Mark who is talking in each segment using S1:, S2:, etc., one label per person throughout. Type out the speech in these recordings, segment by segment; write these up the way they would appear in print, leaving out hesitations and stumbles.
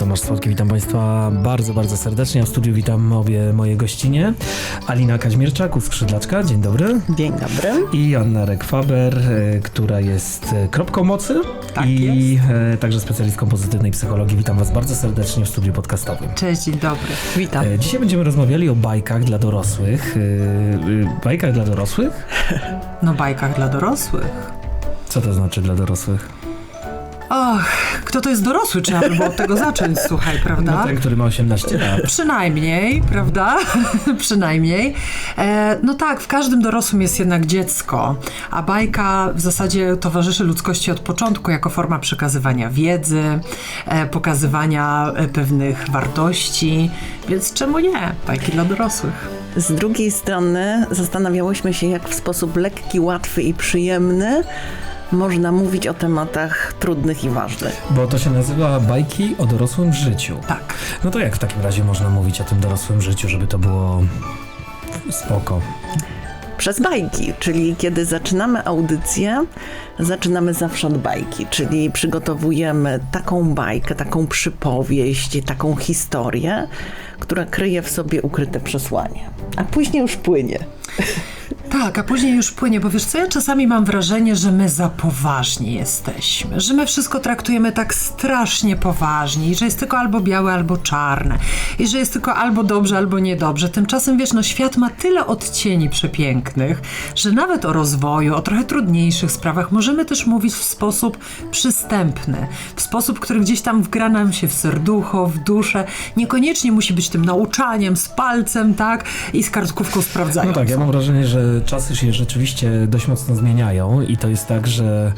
S1: Tomasz Słodki, witam Państwa bardzo, bardzo serdecznie. W studiu witam obie moje gościnie. Alina Kaźmierczak, Skrzydlaczka, dzień dobry.
S2: Dzień dobry.
S1: I Anna Rekwaber, która jest kropką mocy i także specjalistką pozytywnej psychologii. Witam Was bardzo serdecznie w studiu podcastowym.
S2: Cześć, dzień dobry. Witam.
S1: Dzisiaj będziemy rozmawiali o bajkach dla dorosłych. Bajkach dla dorosłych?
S2: No, bajkach dla dorosłych.
S1: Co to znaczy dla dorosłych?
S2: Och, kto to jest dorosły? Trzeba by było od tego zacząć, słuchaj, prawda?
S1: No ten, który ma 18 lat.
S2: Przynajmniej, prawda? Przynajmniej. No tak, w każdym dorosłym jest jednak dziecko, a bajka w zasadzie towarzyszy ludzkości od początku jako forma przekazywania wiedzy, pokazywania pewnych wartości, więc czemu nie? Bajki dla dorosłych.
S3: Z drugiej strony zastanawiałyśmy się, jak w sposób lekki, łatwy i przyjemny można mówić o tematach trudnych i ważnych.
S1: Bo to się nazywa bajki o dorosłym życiu.
S2: Tak.
S1: No to jak w takim razie można mówić o tym dorosłym życiu, żeby to było spoko?
S3: Przez bajki, czyli kiedy zaczynamy audycję, zaczynamy zawsze od bajki, czyli przygotowujemy taką bajkę, taką przypowieść, taką historię, która kryje w sobie ukryte przesłanie, a później już płynie.
S2: Tak, a później już płynie, bo wiesz co, ja czasami mam wrażenie, że my za poważni jesteśmy, że my wszystko traktujemy tak strasznie poważnie i że jest tylko albo białe, albo czarne i że jest tylko albo dobrze, albo niedobrze. Tymczasem wiesz, no świat ma tyle odcieni przepięknych, że nawet o rozwoju, o trochę trudniejszych sprawach możemy też mówić w sposób przystępny, w sposób, który gdzieś tam wgra nam się w serducho, w duszę. Niekoniecznie musi być tym nauczaniem z palcem, tak, i z kartkówką sprawdzającą.
S1: No tak, ja mam wrażenie, że czasy się rzeczywiście dość mocno zmieniają i to jest tak, że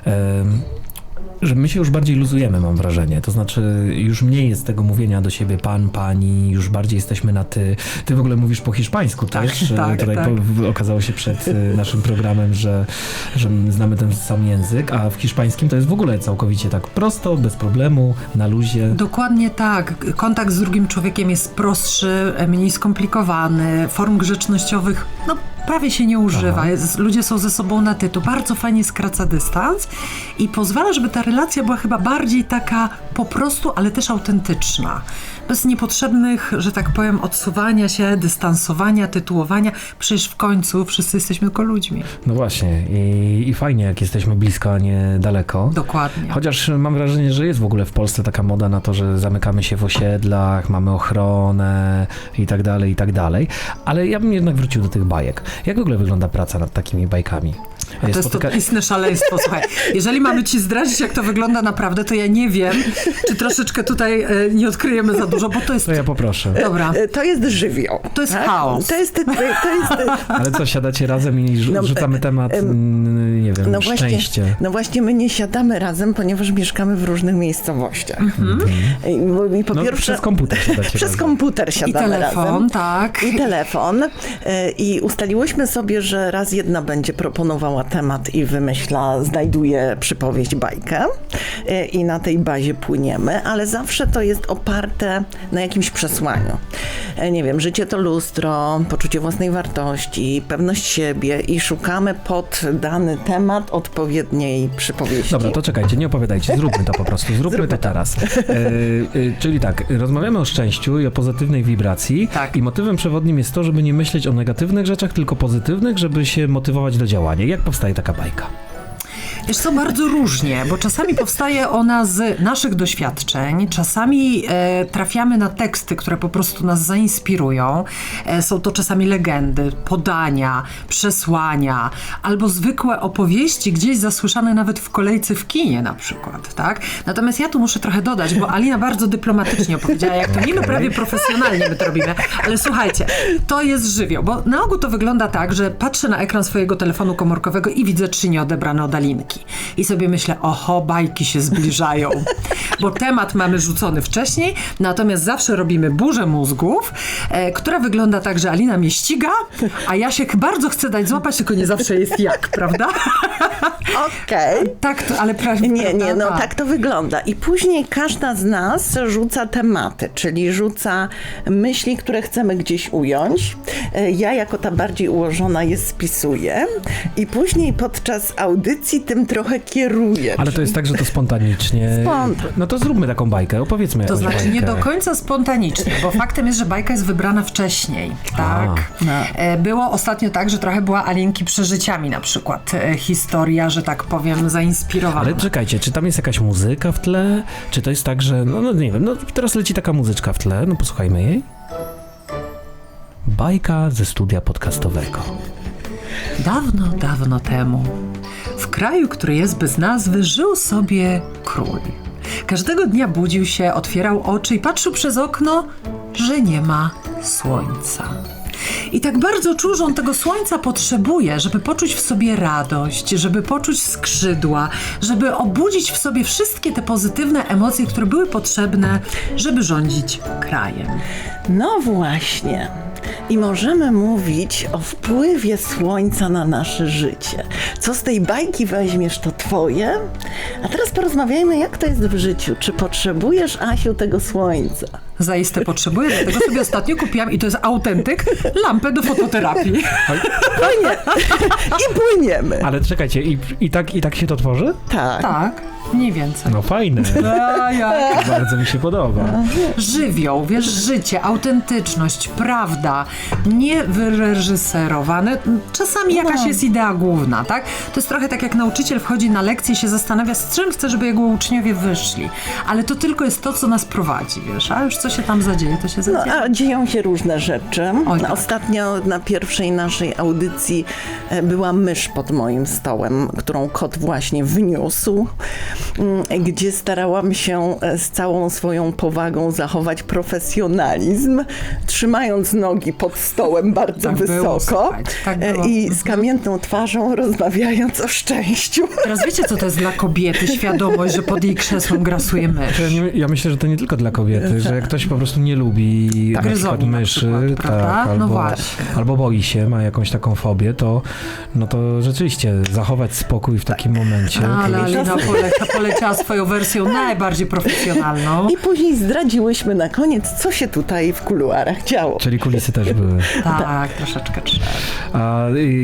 S1: my się już bardziej luzujemy, mam wrażenie. To znaczy już mniej jest tego mówienia do siebie pan, pani, już bardziej jesteśmy na ty. Ty w ogóle mówisz po hiszpańsku też.
S2: Tak.
S1: Okazało się przed naszym programem, że znamy ten sam język, a w hiszpańskim to jest w ogóle całkowicie tak prosto, bez problemu, na luzie.
S2: Dokładnie tak. Kontakt z drugim człowiekiem jest prostszy, mniej skomplikowany, form grzecznościowych prawie się nie używa. Ludzie są ze sobą na ty. To bardzo fajnie skraca dystans i pozwala, żeby ta relacja była chyba bardziej taka po prostu, ale też autentyczna. Bez niepotrzebnych, że tak powiem, odsuwania się, dystansowania, tytułowania. Przecież w końcu wszyscy jesteśmy tylko ludźmi.
S1: No właśnie. I fajnie, jak jesteśmy blisko, a nie daleko.
S2: Dokładnie.
S1: Chociaż mam wrażenie, że jest w ogóle w Polsce taka moda na to, że zamykamy się w osiedlach, mamy ochronę i tak dalej. Ale ja bym jednak wrócił do tych bajek. Jak w ogóle wygląda praca nad takimi bajkami?
S2: To jest to istne szaleństwo. Słuchaj, jeżeli mamy ci zdradzić, jak to wygląda naprawdę, to ja nie wiem, czy troszeczkę tutaj nie odkryjemy za dużo, bo to jest...
S1: To ja poproszę.
S2: Dobra.
S3: To jest żywioł.
S2: To jest chaos.
S3: To jest
S1: Ale co, siadacie razem i rzucamy temat, nie wiem, szczęście.
S3: No właśnie, my nie siadamy razem, ponieważ mieszkamy w różnych miejscowościach. I po pierwsze,
S1: przez komputer siadacie
S3: Przez
S1: razem.
S3: komputer siadamy razem.
S2: I telefon, tak.
S3: I telefon. I ustaliłyśmy sobie, że raz jedna będzie proponowała temat i znajduje przypowieść, bajkę i na tej bazie płyniemy, ale zawsze to jest oparte na jakimś przesłaniu. Nie wiem, życie to lustro, poczucie własnej wartości, pewność siebie i szukamy pod dany temat odpowiedniej przypowieści.
S1: Dobra, to czekajcie, nie opowiadajcie, zróbmy to po prostu, zróbmy to teraz. Czyli tak, rozmawiamy o szczęściu i o pozytywnej wibracji i motywem przewodnim jest to, żeby nie myśleć o negatywnych rzeczach, tylko pozytywnych, żeby się motywować do działania. Jak powstaje taka bajka?
S2: Wiesz co, bardzo różnie, bo czasami powstaje ona z naszych doświadczeń, czasami trafiamy na teksty, które po prostu nas zainspirują. Są to czasami legendy, podania, przesłania, albo zwykłe opowieści gdzieś zasłyszane nawet w kolejce w kinie na przykład, tak? Natomiast ja tu muszę trochę dodać, bo Alina bardzo dyplomatycznie opowiedziała, jak to niby prawie profesjonalnie my to robimy, ale słuchajcie, to jest żywioł, bo na ogół to wygląda tak, że patrzę na ekran swojego telefonu komórkowego i widzę 3 nieodebrane od Alinki. I sobie myślę, oho, bajki się zbliżają, bo temat mamy rzucony wcześniej, natomiast zawsze robimy burzę mózgów, która wygląda tak, że Alina mnie ściga, a ja się bardzo chcę dać złapać, tylko nie zawsze jest jak, prawda?
S3: Okej.
S2: Tak, ale prawie.
S3: Nie, tak to wygląda. I później każda z nas rzuca tematy, czyli rzuca myśli, które chcemy gdzieś ująć. Ja jako ta bardziej ułożona je spisuję i później podczas audycji tym tym trochę kieruje.
S1: Ale to jest tak, że to spontanicznie. No to zróbmy taką bajkę, opowiedzmy
S2: To
S1: jakąś
S2: znaczy
S1: bajkę.
S2: nie do końca spontanicznie, bo faktem jest, że bajka jest wybrana wcześniej, tak? Było ostatnio tak, że trochę była Alinki przeżyciami na przykład. Historia, że tak powiem, zainspirowana.
S1: Ale czekajcie, czy tam jest jakaś muzyka w tle? Czy to jest tak, że, no nie wiem, no teraz leci taka muzyczka w tle, no posłuchajmy jej. Bajka ze studia podcastowego.
S2: Dawno, dawno temu, w kraju, który jest bez nazwy, żył sobie król. Każdego dnia budził się, otwierał oczy i patrzył przez okno, że nie ma słońca. I tak bardzo czuł, że on tego słońca potrzebuje, żeby poczuć w sobie radość, żeby poczuć skrzydła, żeby obudzić w sobie wszystkie te pozytywne emocje, które były potrzebne, żeby rządzić krajem.
S3: No właśnie. I możemy mówić o wpływie słońca na nasze życie. Co z tej bajki weźmiesz, to twoje. A teraz porozmawiajmy, jak to jest w życiu. Czy potrzebujesz, Asiu, tego słońca?
S2: Zaiste potrzebuję, dlatego sobie ostatnio kupiłam, i to jest autentyk, lampę do fototerapii.
S3: I płyniemy.
S1: Ale czekajcie, i tak się to tworzy?
S3: Tak.
S2: Tak, mniej więcej.
S1: No fajne. Bardzo mi się podoba.
S2: Żywioł, wiesz, życie, autentyczność, prawda, nie wyreżyserowane. Czasami jakaś jest idea główna, tak? To jest trochę tak, jak nauczyciel wchodzi na lekcję i się zastanawia, z czym chce, żeby jego uczniowie wyszli. Ale to tylko jest to, co nas prowadzi, wiesz, a już co się tam zadzieje, to się
S3: No,
S2: zadzieje.
S3: a dzieją się różne rzeczy.
S2: Oj, tak.
S3: Ostatnio na pierwszej naszej audycji była mysz pod moim stołem, którą kot właśnie wniósł, gdzie starałam się z całą swoją powagą zachować profesjonalizm, trzymając nogi pod stołem bardzo
S2: Tak było,
S3: wysoko
S2: słuchajcie, tak było.
S3: i z kamienną twarzą rozmawiając o szczęściu.
S2: Teraz wiecie, co to jest dla kobiety? Świadomość, że pod jej krzesłem grasuje mysz.
S1: Ja myślę, że to nie tylko dla kobiety, że jak ktoś po prostu nie lubi na przykład
S2: Gryzoni na
S1: myszy,
S2: przykład, prawda? No
S1: albo,
S2: właśnie.
S1: albo boi się, ma jakąś taką fobię, to rzeczywiście zachować spokój w takim momencie.
S2: Ale
S1: to jest-
S2: Alina poleciała swoją wersją najbardziej profesjonalną.
S3: I później zdradziłyśmy na koniec, co się tutaj w kuluarach działo.
S1: Czyli kulisy też były.
S2: Tak, troszeczkę trzeba.
S1: A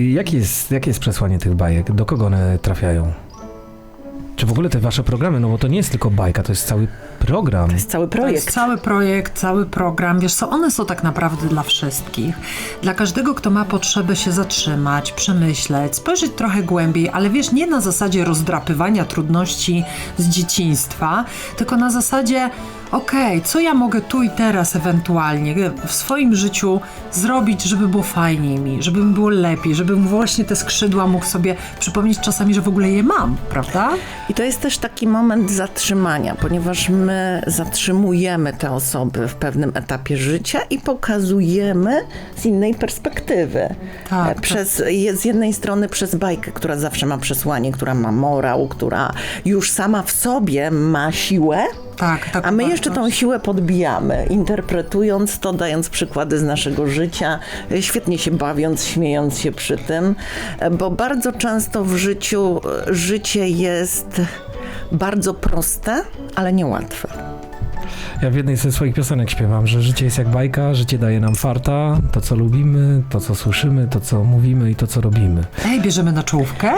S1: jakie jest przesłanie tych bajek? Do kogo one trafiają? Czy w ogóle te wasze programy, no bo to nie jest tylko bajka, to jest cały program.
S3: To jest cały
S2: To jest
S3: projekt.
S2: cały projekt, cały program. Wiesz co, one są tak naprawdę dla wszystkich. Dla każdego, kto ma potrzebę się zatrzymać, przemyśleć, spojrzeć trochę głębiej, ale wiesz, nie na zasadzie rozdrapywania trudności z dzieciństwa, tylko na zasadzie okej, co ja mogę tu i teraz ewentualnie w swoim życiu zrobić, żeby było fajniej mi, żeby mi było lepiej, żebym właśnie te skrzydła mógł sobie przypomnieć czasami, że w ogóle je mam, prawda?
S3: I to jest też taki moment zatrzymania, ponieważ my zatrzymujemy te osoby w pewnym etapie życia i pokazujemy z innej perspektywy.
S2: Tak,
S3: Z jednej strony przez bajkę, która zawsze ma przesłanie, która ma morał, która już sama w sobie ma siłę,
S2: Tak,
S3: a my jeszcze tą siłę podbijamy, interpretując to, dając przykłady z naszego życia, świetnie się bawiąc, śmiejąc się przy tym, bo bardzo często w życiu życie jest bardzo proste, ale niełatwe.
S1: Ja w jednej ze swoich piosenek śpiewam, że życie jest jak bajka, życie daje nam farta, to co lubimy, to co słyszymy, to co mówimy i to co robimy.
S2: Ej, bierzemy na czołówkę?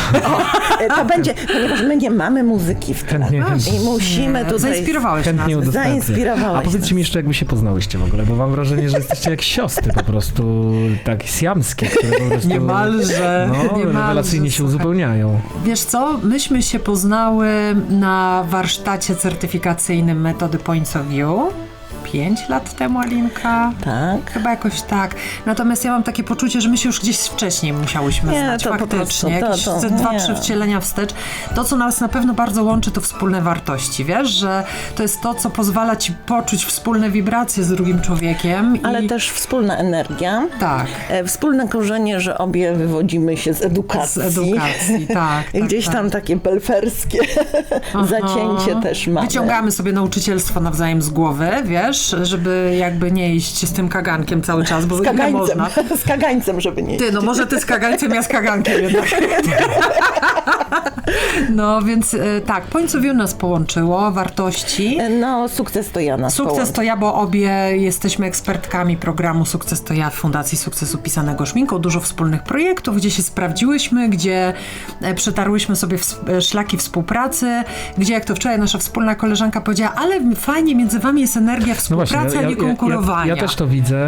S3: To będzie, ponieważ my nie mamy muzyki w tle
S1: Chętnie.
S3: i musimy tutaj...
S2: Zainspirowałeś nas.
S1: Chętnie udostępnię.
S3: Zainspirowałeś
S1: A powiedzcie
S3: nas.
S1: mi jeszcze, jak wy się poznałyście w ogóle, bo mam wrażenie, że jesteście jak siostry po prostu, tak siamskie, które po prostu...
S2: Niemalże,
S1: No,
S2: niemalże,
S1: rewelacyjnie się
S2: słuchaj.
S1: uzupełniają.
S2: Wiesz co, myśmy się poznały na warsztacie certyfikacyjnym metody Points of View 5 lat temu, Alinka.
S3: Tak.
S2: Chyba jakoś tak. Natomiast ja mam takie poczucie, że my się już gdzieś wcześniej musiałyśmy
S3: Nie,
S2: znać.
S3: to po
S2: Faktycznie.
S3: prostu,
S2: Jakieś
S3: to
S2: 2-3
S3: nie.
S2: wcielenia wstecz. To, co nas na pewno bardzo łączy, to wspólne wartości. Wiesz, że to jest to, co pozwala ci poczuć wspólne wibracje z drugim człowiekiem.
S3: Ale
S2: i...
S3: też wspólna energia.
S2: Tak.
S3: Wspólne korzenie, że obie wywodzimy się z edukacji.
S2: Z edukacji, tak.
S3: I gdzieś
S2: tak.
S3: tam takie belferskie zacięcie też mamy.
S2: Wyciągamy sobie nauczycielstwo nawzajem z głowy, wiesz, żeby jakby nie iść z tym kagankiem cały czas, bo
S3: Z
S2: nie
S3: kagańcem,
S2: można.
S3: z kagańcem, żeby nie
S2: Ty, no może ty z kagańcem, ja z kagankiem jednak. No więc tak, Points of View nas połączyło, wartości.
S3: No, sukces to ja nas
S2: Sukces to ja, bo obie jesteśmy ekspertkami programu Sukces to ja w Fundacji Sukcesu pisanego szminką. Dużo wspólnych projektów, gdzie się sprawdziłyśmy, gdzie przetarłyśmy sobie szlaki współpracy, gdzie jak to wczoraj nasza wspólna koleżanka powiedziała, ale fajnie, między wami jest energia współpracy, a nie konkurowania.
S1: Ja też to widzę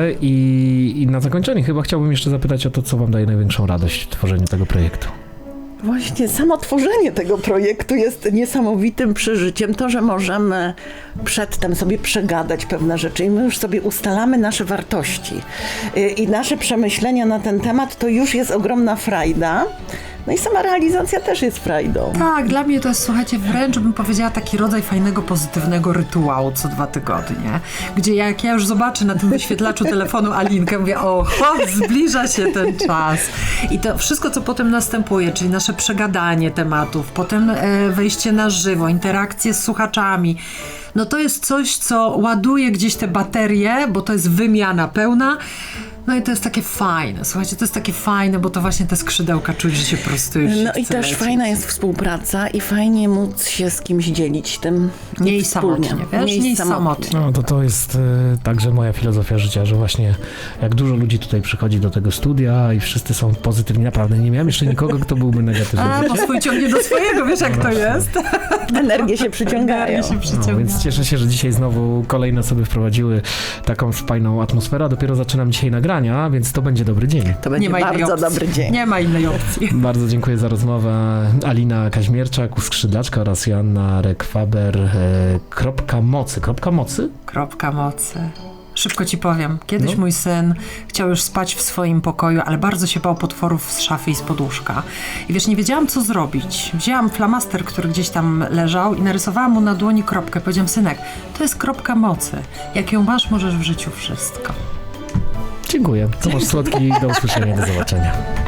S1: i na zakończenie chyba chciałbym jeszcze zapytać o to, co wam daje największą radość w tworzeniu tego projektu.
S3: Właśnie samo tworzenie tego projektu jest niesamowitym przeżyciem. To, że możemy przedtem sobie przegadać pewne rzeczy i my już sobie ustalamy nasze wartości i nasze przemyślenia na ten temat, to już jest ogromna frajda. No i sama realizacja też jest frajdą.
S2: Tak, dla mnie to jest, słuchajcie, wręcz bym powiedziała taki rodzaj fajnego, pozytywnego rytuału co 2 tygodnie, gdzie jak ja już zobaczę na tym wyświetlaczu telefonu Alinkę, mówię, o chłop, zbliża się ten czas. I to wszystko, co potem następuje, czyli nasze przegadanie tematów, potem wejście na żywo, interakcje z słuchaczami, no to jest coś, co ładuje gdzieś te baterie, bo to jest wymiana pełna. No i to jest takie fajne, słuchajcie, to jest takie fajne, bo to właśnie te skrzydełka czuć, że się prostuje.
S3: No i też fajna jest współpraca i fajnie móc się z kimś dzielić tym.
S2: Mniej samotnie, wiesz? Mniej samotnie.
S1: No to jest także moja filozofia życia, że właśnie jak dużo ludzi tutaj przychodzi do tego studia i wszyscy są pozytywni, naprawdę nie miałem jeszcze nikogo, kto byłby negatywny.
S2: Bo swój ciągnie do swojego, wiesz jak to jest?
S3: Energie się przyciągają.
S1: No, więc cieszę się, że dzisiaj znowu kolejne osoby wprowadziły taką fajną atmosferę, a dopiero zaczynam dzisiaj nagrania, więc to będzie dobry dzień.
S3: To będzie bardzo dobry dzień.
S2: Nie ma innej opcji.
S1: Bardzo dziękuję za rozmowę. Alina Kaźmierczak, Skrzydlaczka oraz Joanna Rekwaber. Kropka mocy.
S2: Kropka mocy. Szybko ci powiem. Kiedyś mój syn chciał już spać w swoim pokoju, ale bardzo się bał potworów z szafy i z poduszka. I wiesz, nie wiedziałam, co zrobić. Wzięłam flamaster, który gdzieś tam leżał i narysowałam mu na dłoni kropkę. Powiedziałam, synek, to jest kropka mocy. Jak ją masz, możesz w życiu wszystko.
S1: Dziękuję. Tomasz Słodki, do usłyszenia, do zobaczenia.